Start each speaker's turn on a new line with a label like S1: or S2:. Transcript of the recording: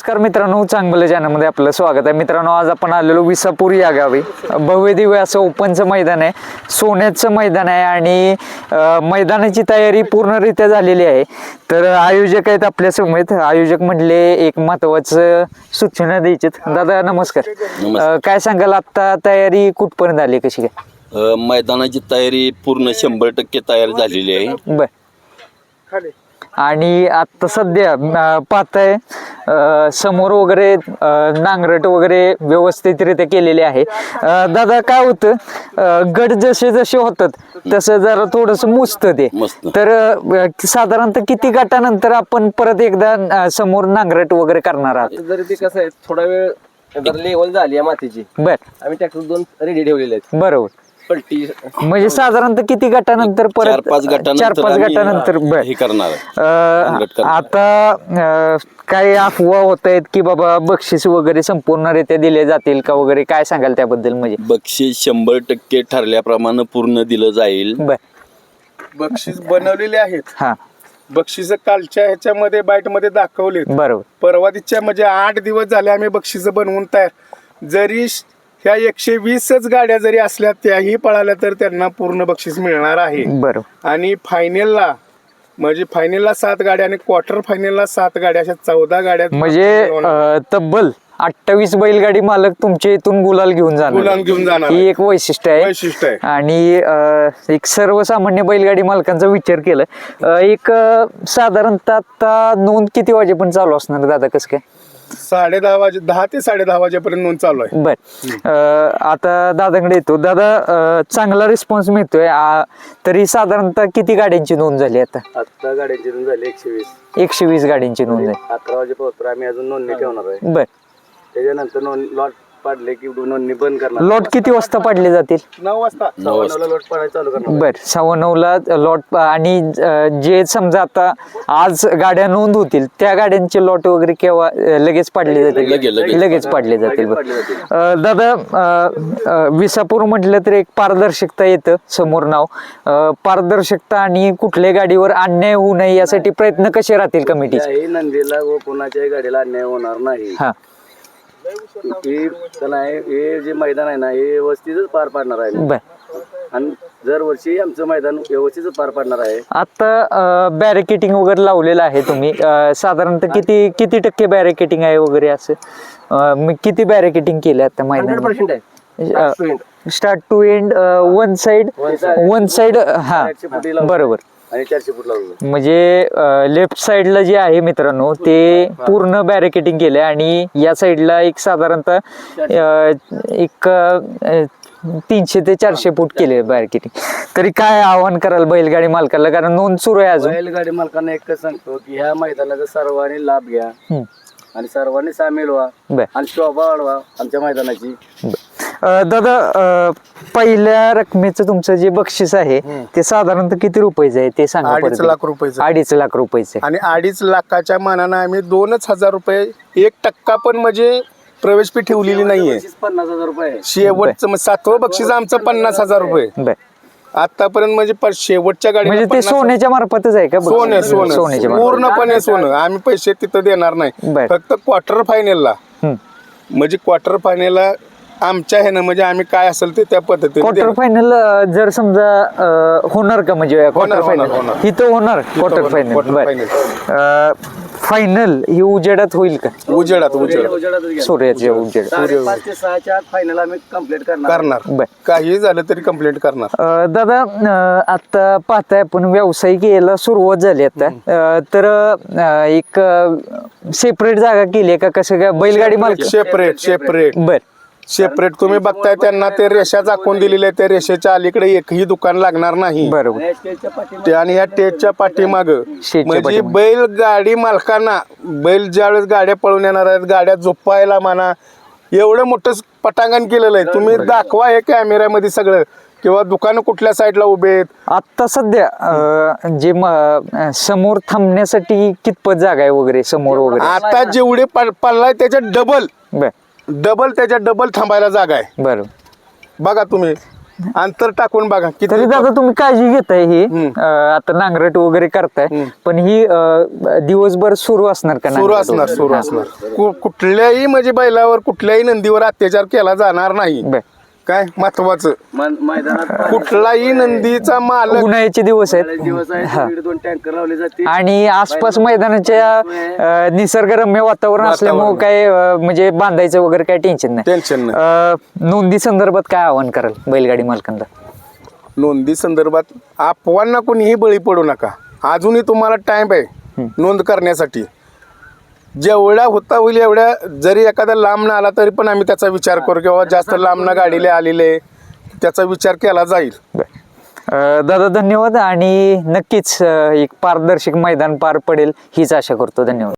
S1: नमस्कार मित्रांनो, चांगलं चॅनलमध्ये आपलं स्वागत आहे. मित्रांनो, आज आपण आलेलो विसापूर या गावी. भव्य दिव्य असं ओपनचं मैदान आहे, सोन्याचं मैदान आहे आणि मैदानाची तयारी पूर्णरित्या झालेली आहे. तर आयोजक आहेत आपल्या समेत. आयोजक म्हटले एक महत्वाचं सूचना द्यायची. दादा नमस्कार. काय सांगाल, आता तयारी कुठपर्यंत आली, कशी काय?
S2: मैदानाची तयारी पूर्ण 100% तयार झालेली आहे.
S1: बर. आणि आता सध्या पाहताय समोर वगैरे नांगरट वगैरे व्यवस्थितरित्या केलेले आहे. दादा काय होतं, गट जसे जसे होतात तसं जरा थोडस मुजतं ते. तर साधारणतः किती गटानंतर आपण परत एकदा समोर नांगरट वगैरे करणार आहात?
S3: जरी ते कसं आहे, थोडा वेळ जर लेवल झाली आहे मातीची,
S1: बर,
S3: आम्ही ट्रॅक्टर 2 रेडी ठेवलेले आहेत.
S1: बरोबर.
S3: पलटी
S1: म्हणजे साधारणतः किती गटानंतर परत?
S2: 4-5
S1: गटानंतर. बर.
S2: हे करणार.
S1: आता काही अफवा होत आहेत की बाबा बक्षीस वगैरे संपूर्णरित्या दिले जातील का वगैरे, काय सांगाल त्याबद्दल? म्हणजे
S2: बक्षीस 100% ठरल्याप्रमाणे पूर्ण दिलं जाईल.
S1: बर.
S4: बक्षीस बनवलेले आहेत.
S1: हा,
S4: बक्षीस कालच्या ह्याच्यामध्ये बाईट मध्ये दाखवले.
S1: बरोबर.
S4: परवा दिवच्या म्हणजे 8 दिवस झाले आम्ही बक्षीस बनवून तयार. जरी ह्या 120च गाड्या जरी असल्या त्याही पळाल्या तर त्यांना पूर्ण बक्षीस मिळणार आहे.
S1: बरोबर.
S4: आणि फायनलला म्हणजे फायनलला 7 गाड्या आणि क्वार्टर फायनलला 7 गाड्या, अशा 14 गाड्या.
S1: म्हणजे तब्बल 28 बैलगाडी मालक तुमच्या इथून गुलाल घेऊन जाणार. ही एक वैशिष्ट्य आहे. आणि एक सर्वसामान्य बैलगाडी मालकांचा विचार केला, एक साधारणतः आता नोंद किती वाजेपर्यंत चालू असणार दादा, कसं काय?
S4: 10 ते 10:30 वाजेपर्यंत नोंद चालू आहे.
S1: बर. आता दादाकडे येतो. दादा, चांगला रिस्पॉन्स मिळतोय. तरी साधारणतः किती गाड्यांची नोंद झाली आता?
S3: आता गाड्यांची नोंद झाली 120.
S1: 120 गाड्यांची नोंद झाली.
S3: 11 वाजेपर्यंत आम्ही अजून नोंदणी ठेवणार आहे.
S1: बर.
S3: त्याच्यानंतर लॉट पाडले की नोंदणी बंद करणार.
S1: लॉट किती वाजता पाडले जातील?
S4: 9 वाजता.
S3: 9:15 लॉट पाडायला चालू करणार.
S1: बर. 9:15 लॉट. आणि जे समजा आता आज गाड्या नोंद होतील त्या गाड्यांचे लॉट वगैरे केव्हा लगेच पाडले जातील? लगेच पाडले जातील. दादा, विसापूर म्हटलं तर एक पारदर्शकता येतं समोर नाव. पारदर्शकता आणि कुठल्या गाडीवर अन्याय होऊ नये यासाठी प्रयत्न कसे राहतील कमिटीचे?
S3: नंदीला व कोणाच्याही गाडीला अन्याय होणार नाही.
S1: हा,
S3: हे जे मैदान आहे ना, हे व्यवस्थितच पार पाडणार आहे.
S1: बर.
S3: आणि दरवर्षी आमचं मैदान व्यवस्थितच पार पाडणार आहे.
S1: आता बॅरिकेटिंग वगैरे लावलेलं आहे तुम्ही. साधारणतः किती टक्के बॅरिकेटिंग आहे वगैरे असं? किती बॅरिकेटिंग केलं आता मैदान?
S3: 100% आहे.
S1: Start to end, one side. हा, बरोबर.
S3: आणि 400 फूट लावलं.
S1: म्हणजे लेफ्ट साइडला जे आहे मित्रांनो ते पूर्ण बॅरिकेटिंग केलंय आणि या साइडला एक साधारणतः एक 300 ते 400 फूट केले बॅरिकेटिंग. तरी काय आव्हान कराल बैलगाडी मालकाला, कारण नोंद सुरू आहे अजून?
S3: बैलगाडी मालकांना एकच सांगतो की ह्या मैदानाचा सर्वांनी लाभ घ्या आणि सर्वांनी सामील व्हा आणि शोभा वाढवा आमच्या मैदानाची.
S1: दादा, पहिल्या रकमेचं तुमचं जे बक्षीस आहे ते साधारणतः किती रुपयाचं आहे ते सांगा.
S4: 2.5 लाख रुपयाचं.
S1: 2.5 लाख रुपयाचे.
S4: आणि 2.5 लाखाच्या मानानं आम्ही 2,000 रुपये, 1% पण म्हणजे प्रवेश फी ठेवलेली नाहीये.
S3: 50,000 रुपये
S4: शेवटचं 7वं बक्षीस आमचं 50,000 रुपये
S1: बर.
S4: आतापर्यंत. म्हणजे शेवटच्या गाडी
S1: म्हणजे ते सोन्याच्या मार्फतच आहे का?
S4: सोन्याच्या पूर्णपणे सोनं. आम्ही पैसे तिथं देणार नाही, फक्त क्वार्टर फायनलला. म्हणजे क्वार्टर फायनलला आमच्या ह्यानं म्हणजे आम्ही काय असेल ते त्या पद्धतीने.
S1: क्वार्टर फायनल जर समजा होणार का? म्हणजे क्वार्टर फायनल इथं होणार. क्वार्टर फायनल फायनल ही उजेडात होईल का?
S4: उजेडात
S1: सूर्याच्या उजेडात.
S3: 5 ते 6च्या फायनल आम्ही कंप्लीट
S4: करणार. काही झालं तरी कंप्लीट करणार.
S1: दादा, आता पाहताय आपण व्यावसायिक यायला सुरुवात झाली आता. तर एक सेपरेट जागा केली का कसं काय बैलगाडी मालक?
S4: सेपरेट.
S1: बर.
S4: सेपरेट तुम्ही बघताय त्यांना ते रेषा दाखवून दिलेल्या, त्या रेषेच्या अलीकडे एकही दुकान लागणार नाही.
S1: बरोबर.
S4: आणि ह्या टेजच्या पाठीमाग म्हणजे बैलगाडी मालकांना बैल ज्यावेळेस गाड्या पळून येणार आहेत, गाड्या झोपायला म्हणा, एवढं मोठं पटांगण केलेलं आहे. तुम्ही दाखवा हे कॅमेऱ्यामध्ये सगळं, किंवा दुकान कुठल्या साईडला उभे आहेत.
S1: आता सध्या जे समोर थांबण्यासाठी कितपत जागा आहे वगैरे समोर वगैरे?
S4: आता जेवढे पडलाय त्याच्या डबल त्याच्या डबल थांबायला जागा आहे.
S1: बरोबर.
S4: बघा तुम्ही अंतर टाकून बघा
S1: तरी
S4: किती
S1: दादा तुम्ही काळजी घेताय ही आता नांगरट वगैरे करताय पण ही दिवसभर सुरू असणार का
S4: सुरू
S1: नांगरट
S4: असणार
S1: वगैरे?
S4: सुरू
S1: हा.
S4: असणार कुठल्याही म्हणजे बैलावर कुठल्याही नंदीवर अत्याचार केला जाणार नाही
S1: बर.
S4: काय महत्वाचं
S3: मैदानात
S4: कुठलाही नंदीचा मालक
S1: उन्हाळ्याचे दिवस आहेत
S3: दिवस आहे दीड 2 टँकर लावले जाते
S1: आणि आसपास मैदानाच्या निसर्गरम्य वातावरण असल्यामुळे काय म्हणजे बांधायचं वगैरे काय टेन्शन नाही.
S4: टेन्शन नाही
S1: नोंदी संदर्भात काय आवाहन कराल बैलगाडी मालकांना?
S4: नोंदी संदर्भात अफवांना कोणीही बळी पडू नका. अजूनही तुम्हाला टाइम आहे नोंद करण्यासाठी. जेवढा होता होईल एवढ्या, जरी एखादा लांब न आला तरी पण आम्ही त्याचा विचार करू किंवा जास्त लांब न गाडीला आलेले त्याचा विचार केला जाईल.
S1: दादा धन्यवाद आणि नक्कीच एक पारदर्शक मैदान पार पडेल हीच आशा करतो. धन्यवाद.